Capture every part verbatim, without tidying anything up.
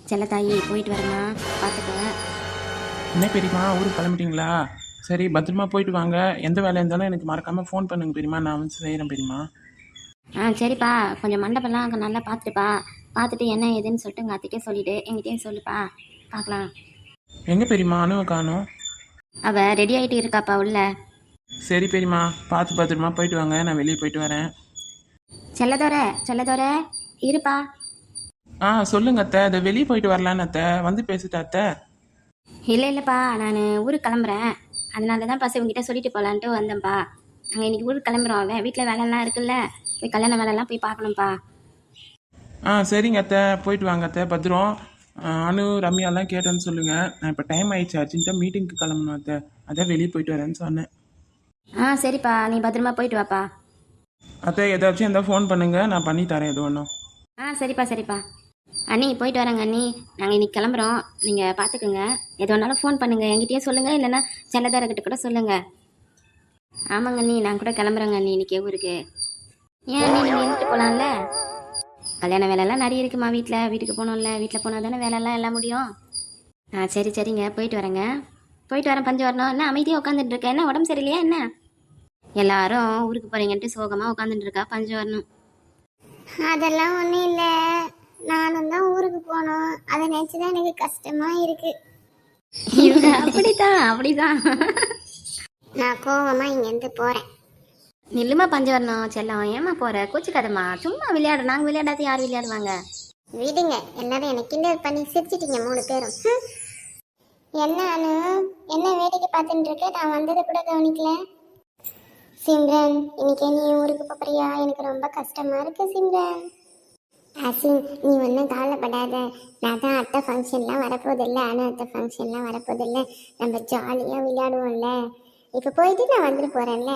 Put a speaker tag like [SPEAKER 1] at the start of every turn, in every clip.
[SPEAKER 1] செல்லத்தாயி போயிட்டு வரேம்மா, பார்த்துக்க.
[SPEAKER 2] என்ன பெரியம்மா ஊருக்கு கிளம்பிட்டீங்களா? சரி பத்திரமா போயிட்டு வாங்க. எந்த வேலை இருந்தாலும் எனக்கு மறக்காமல் ஃபோன் பண்ணுங்க பெரியம்மா, நான் வந்து செய்கிறேன் பெரியம்மா.
[SPEAKER 1] ஆ சரிப்பா, கொஞ்சம் மண்டபம்லாம் அங்கே நல்லா பார்த்துட்டுப்பா. பார்த்துட்டு என்ன ஏதுன்னு சொல்லிட்டு உங்கள் அத்தைக்கே சொல்லிவிட்டு எங்கிட்டேயும் சொல்லுப்பா, பார்க்கலாம்.
[SPEAKER 2] எங்கே பெரியம்மா அணுவை காணோம்?
[SPEAKER 1] அவள் ரெடி ஆகிட்டு இருக்காப்பா உள்ள.
[SPEAKER 2] சரி பெரியம்மா, பார்த்து பத்திரமா போயிட்டு வாங்க, நான் வெளியே போயிட்டு வரேன்.
[SPEAKER 1] செல்லதோர செல்லதோர இருப்பா.
[SPEAKER 2] ஆ சொல்லுங்க அத்தை, அதை வெளியே போயிட்டு வரலான்னு அத்தை, வந்து பேசிட்டா அத்தை.
[SPEAKER 1] இல்லை இல்லைப்பா, நான் ஊருக்கு கிளம்புறேன். அதனால தான் பசங்க உங்ககிட்ட சொல்லிட்டு போகலான்ட்டு வந்தேன்ப்பா. நாங்கள் இன்றைக்கி ஊருக்கு கிளம்புறோம். அவன் வீட்டில் வேலைலாம் இருக்குல்ல, போய் கல்யாண வேலைலாம் போய் பார்க்கணும்ப்பா.
[SPEAKER 2] ஆ சரிங்க அத்தை, போயிட்டு வாங்க அத்தை, பத்திரம். ஆ, அனு ரம்யாலாம் கேட்டேன்னு சொல்லுங்கள். நான் இப்போ டைம் ஆயிடுச்சு, அர்ஜென்ட்டாக மீட்டிங்க்கு கிளம்பணும் அத்தை, அதான் வெளியே போயிட்டு வரேன்னு சொன்னேன்.
[SPEAKER 1] ஆ சரிப்பா, நீ பத்திரமா போயிட்டு வாப்பா.
[SPEAKER 2] அத்தை ஏதாச்சும் இருந்தால் ஃபோன் பண்ணுங்கள், நான் பண்ணி தரேன் எது ஒன்றும்.
[SPEAKER 1] ஆ சரிப்பா சரிப்பா. அண்ணி போயிட்டு வரேங்க அண்ணி. நாங்கள் இன்னைக்கு கிளம்புறோம், நீங்கள் பார்த்துக்குங்க. எது வேணாலும் ஃபோன் பண்ணுங்கள், என்கிட்டயே சொல்லுங்கள், இல்லைன்னா செல்லதாரக்கிட்ட கூட சொல்லுங்கள். ஆமாங்க அண்ணி, நான் கூட கிளம்புறேங்க அண்ணி இன்னைக்கு ஊருக்கு. ஏன் அண்ணி, நீங்கள் இருந்துட்டு போகலாம்ல? கல்யாண வேலைலாம் நிறைய இருக்குமா வீட்டில், வீட்டுக்கு போகணும்ல, வீட்டில் போனால் தானே வேலைலாம் எல்லாம் முடியும். ஆ சரி சரிங்க, போயிட்டு வரேங்க. போயிட்டு வரேன் பஞ்சு வரணும். என்ன அமைதியாக உட்காந்துட்டு இருக்கேன், என்ன உடம்பு சரியில்லையா என்ன? எல்லாரும் ஊருக்கு போகிறீங்கன்ட்டு சோகமாக உட்காந்துட்டு இருக்கா பஞ்சு வரணும்.
[SPEAKER 3] அதெல்லாம் ஒன்றும் இல்லை, நானும் தான் ஊருக்கு போனோம், அதை நினச்சி தான் எனக்கு கஷ்டமாக இருக்கு.
[SPEAKER 1] இவங்க அப்படிதான் அப்படிதான்.
[SPEAKER 3] நான் கோவமாக இங்கேருந்து போகிறேன்.
[SPEAKER 1] நில்லுமா பஞ்சு வரணும் செல்லம், ஏமா போகிற? கூச்சிக்காதம்மா, சும்மா விளையாட. நாங்கள் விளையாடாத யார் விளையாடுவாங்க?
[SPEAKER 3] விடுங்க, எல்லாரும் எனக்கு கிண்டல் பண்ணி சிரிச்சிட்டீங்க மூணு பேரும். ஹம். என்ன அனு, என்ன வேடிக்கை பார்த்துட்டு இருக்க? நான் வந்ததை கூட கவனிக்கல. சிம்ரன், இன்னைக்கு நீ ஊருக்கு போறியா? எனக்கு ரொம்ப கஷ்டமா இருக்கு சிம்ரன். அசின், நீ ஒன்றும் கவலைப்படாத, நான் தான் அத்தை ஃபங்க்ஷன்லாம் வரப்போதில்லை, அனு அத்தை ஃபங்க்ஷன்லாம் வரப்போதில்லை, நம்ம ஜாலியாக விளையாடுவோம்ல. இப்போ போயிட்டு நான் வந்துட்டு போகிறேன்ல.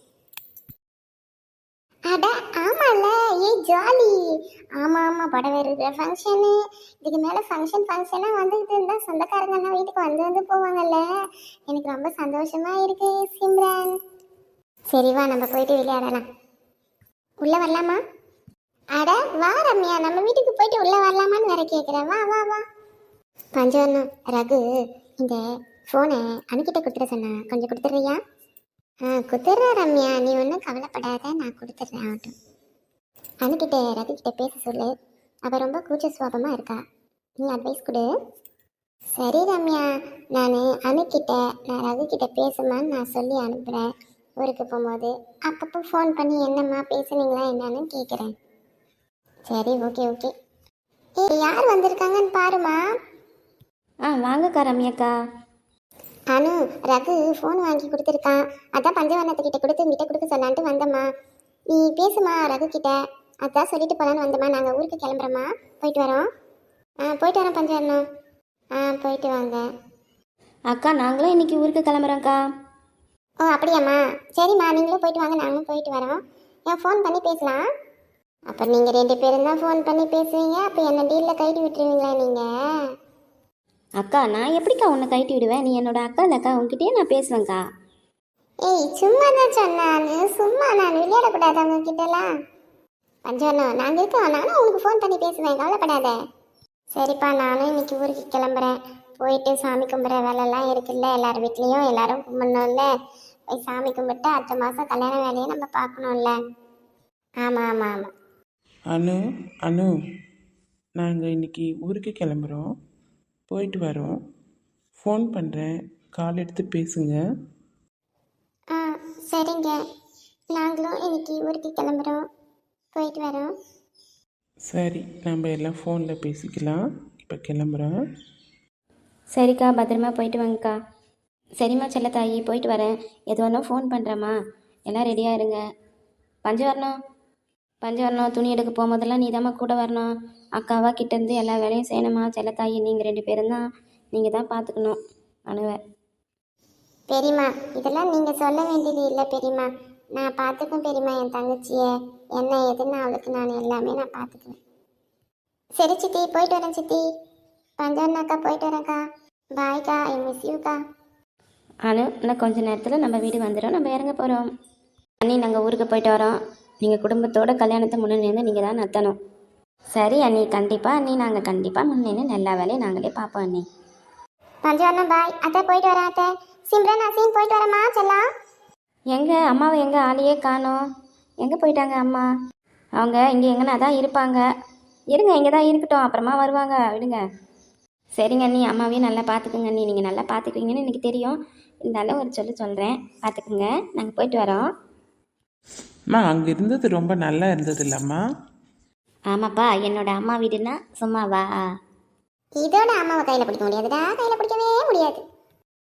[SPEAKER 3] அட ஆமாம்ல, ஏ ஜாலி. ஆமாம் ஆமாம், புடவை இருக்கிற ஃபங்க்ஷனு, இதுக்கு மேலே ஃபங்க்ஷன் ஃபங்க்ஷனாக வந்துக்கிட்டு இருந்தால் சொந்தக்காரங்கெல்லாம் வீட்டுக்கு வந்து வந்து போவாங்கல்ல. எனக்கு ரொம்ப சந்தோஷமாக இருக்கு சிம்ரன். சரிவா, நம்ம போயிட்டு விளையாடலாம். உள்ளே வரலாமா? அட வா ரம்யா, நம்ம வீட்டுக்கு போயிட்டு உள்ளே வரலாமான்னு வேற கேட்குறேன். வா வா வா. பஞ்சவர்ணம், ரகு இந்த ஃபோனை அனுக்கிட்ட கொடுத்துட சொன்னா, கொஞ்சம் கொடுத்துட்றியா? ஆ கொடுத்துட்றேன் ரம்யா, நீ ஒன்றும் கவலைப்படாத, நான் கொடுத்துட்றேன். ஆகட்டும். அனுக்கிட்ட ரகு கிட்ட பேச சொல்லு, அவள் ரொம்ப கூச்ச சுவாபமாக இருக்கா, நீ அட்வைஸ் கொடு. சரி ரம்யா, நான் அனுக்கிட்ட நான் ரகு கிட்ட பேசுமான்னு நான் சொல்லி அனுப்புகிறேன். ஊருக்கு போகும்போது அப்பப்போ ஃபோன் பண்ணி என்னம்மா பேசுனீங்களா என்னன்னு கேட்குறேன். சரி ஓகே ஓகே. ஏ யார் வந்திருக்காங்கன்னு பாருமா.
[SPEAKER 1] ஆ வாங்கக்கா ரம்யாக்கா.
[SPEAKER 3] அனு, ரகு ஃபோன் வாங்கி கொடுத்துருக்கான், அதான் பஞ்சவர்ணத்துக்கிட்ட கொடுத்து உங்ககிட்ட கொடுக்க சொல்லான்ட்டு வந்தம்மா. நீ பேசுமா ரகு கிட்ட, அதான் சொல்லிட்டு போகலான்னு வந்தம்மா. நாங்கள் ஊருக்கு கிளம்புறோம்மா, போயிட்டு வரோம். ஆ போயிட்டு வரோம் பஞ்சவர்ணம். ஆ போயிட்டு வாங்க
[SPEAKER 1] அக்கா, நாங்களும் இன்னைக்கு ஊருக்கு கிளம்புறோங்க்கா.
[SPEAKER 3] ஓ அப்படியாம்மா, சரிம்மா, நீங்களும் போயிட்டு வாங்க, நாங்களும் போயிட்டு வரோம். ஏன் ஃபோன் பண்ணி பேசலாம். அப்போ நீங்கள் ரெண்டு பேரும் தான் ஃபோன் பண்ணி பேசுவீங்க, அப்போ என்ன டீலில் கைட்டு விட்டுருவீங்களா நீங்கள்?
[SPEAKER 1] அக்கா, நான் எப்படிக்கா உன்னை கழட்டி விடுவேன்? நீ என்னோட அக்கா இல்லைக்கா, உங்ககிட்டயே நான் பேசுவேங்க்கா.
[SPEAKER 3] ஏய் சும்மா தான் சொன்னான்னு, சும்மா நான் விளையாடக்கூடாது அவங்க கிட்டலாம். பஞ்சவர்ணம், நாங்கள் இருக்கோம், நானும் உங்களுக்கு ஃபோன் பண்ணி பேசுவேன், கவலைப்படாத. சரிப்பா, நானும் இன்னைக்கு ஊருக்கு கிளம்புறேன். போயிட்டு சாமி கும்பிட்ற வேலைலாம் இருக்குல்ல, எல்லார் வீட்லேயும் எல்லாரும் கும்பிடணும்ல. போய் சாமி கும்பிட்டு அடுத்த மாதம் கல்யாண வேலையை நம்ம பார்க்கணும்ல. ஆமாம் ஆமாம் ஆமாம்.
[SPEAKER 2] அனு அனு நாங்கள் இன்னைக்கு ஊருக்கு கிளம்புறோம், போயிட்டு வரோம். ஃபோன் பண்ணுறேன், கால் எடுத்து பேசுங்க.
[SPEAKER 3] ஆ சரிங்க, நாங்களும் இன்னைக்கு ஊருக்கு கிளம்புறோம், போயிட்டு வரோம்.
[SPEAKER 2] சரி, நம்ம எல்லாம் ஃபோனில் பேசிக்கலாம். இப்போ கிளம்புறோம்.
[SPEAKER 1] சரிக்கா, பத்திரமா போயிட்டு வாங்கக்கா. சரிம்மா செல்லத்தாயி, போயிட்டு வரேன். எது வேணால் ஃபோன் பண்ணுறேம்மா, எல்லாம் ரெடியாக இருங்க. பஞ்சு வரணும் பஞ்சு வரணும் துணி எடுக்க போகும்போதெல்லாம் நீ தாம்மா கூட வரணும். அக்காவா கிட்டேருந்து எல்லா வேலையும் செய்யணுமா. செல்லத்தாயி, நீங்கள் ரெண்டு பேரும் தான், நீங்கள் தான் பார்த்துக்கணும் அணுவை.
[SPEAKER 3] பெரியம்மா, இதெல்லாம் நீங்கள் சொல்ல வேண்டியது இல்லை பெரியம்மா, நான் பார்த்துக்குவேன் பெரியம்மா. என் தங்கச்சியை என்ன எதுன்னு அவளுக்கு நான் எல்லாமே நான் பார்த்துக்குவேன். சரி சித்தி, போயிட்டு வரேன் சித்தி. பஞ்சவர்ணாக்கா, போயிட்டு வரேன்க்கா. பாய்க்கா, ஐ மிஸ் யூக்கா.
[SPEAKER 1] அனு, இன்னும் கொஞ்சம் நேரத்தில் நம்ம வீடு வந்துடும், நம்ம இறங்க போகிறோம். அண்ணி, நாங்கள் ஊருக்கு போயிட்டு வரோம். நீங்கள் குடும்பத்தோட கல்யாணத்தை முன்னாடி நீங்கள் தான் நடத்தணும். சரி அண்ணி கண்டிப்பாக அண்ணி நாங்கள் கண்டிப்பாக முன்னேன்னு எல்லா வேலையும் நாங்களே பார்ப்போம் அண்ணி.
[SPEAKER 3] பஞ்சவர்ணம் பாய். அத்தை போயிட்டு வரேன் அத்தை. சிம்ரன் அசீம் போயிட்டு வரேம்மா செல்லாம்.
[SPEAKER 1] எங்கே அம்மாவை எங்கே ஆளையே காணோம்? எங்கே போயிட்டாங்க அம்மா? அவங்க இங்கே எங்கன்னா தான் இருப்பாங்க. இருங்க இங்கே தான் இருக்கட்டும், அப்புறமா வருவாங்க, விடுங்க. சரிங்க அண்ணி, அம்மாவையும் நல்லா பார்த்துக்குங்க அண்ணி. நீங்கள் நல்லா பார்த்துக்குவீங்கன்னு எனக்கு தெரியும். இருந்தாலும் ஒரு சொல்லி சொல்கிறேன், பார்த்துக்குங்க. நாங்கள் போயிட்டு வரோம்.
[SPEAKER 2] அம்மா அங்கே இருந்தது ரொம்ப நல்லா இருந்தது இல்லைம்மா?
[SPEAKER 1] ஆமாப்பா, என்னோட அம்மா வீடுன்னா சும்மாவா?
[SPEAKER 3] இதோட அம்மாவை கையில் பிடிக்க முடியாதுடா, கையில் பிடிக்கவே முடியாது.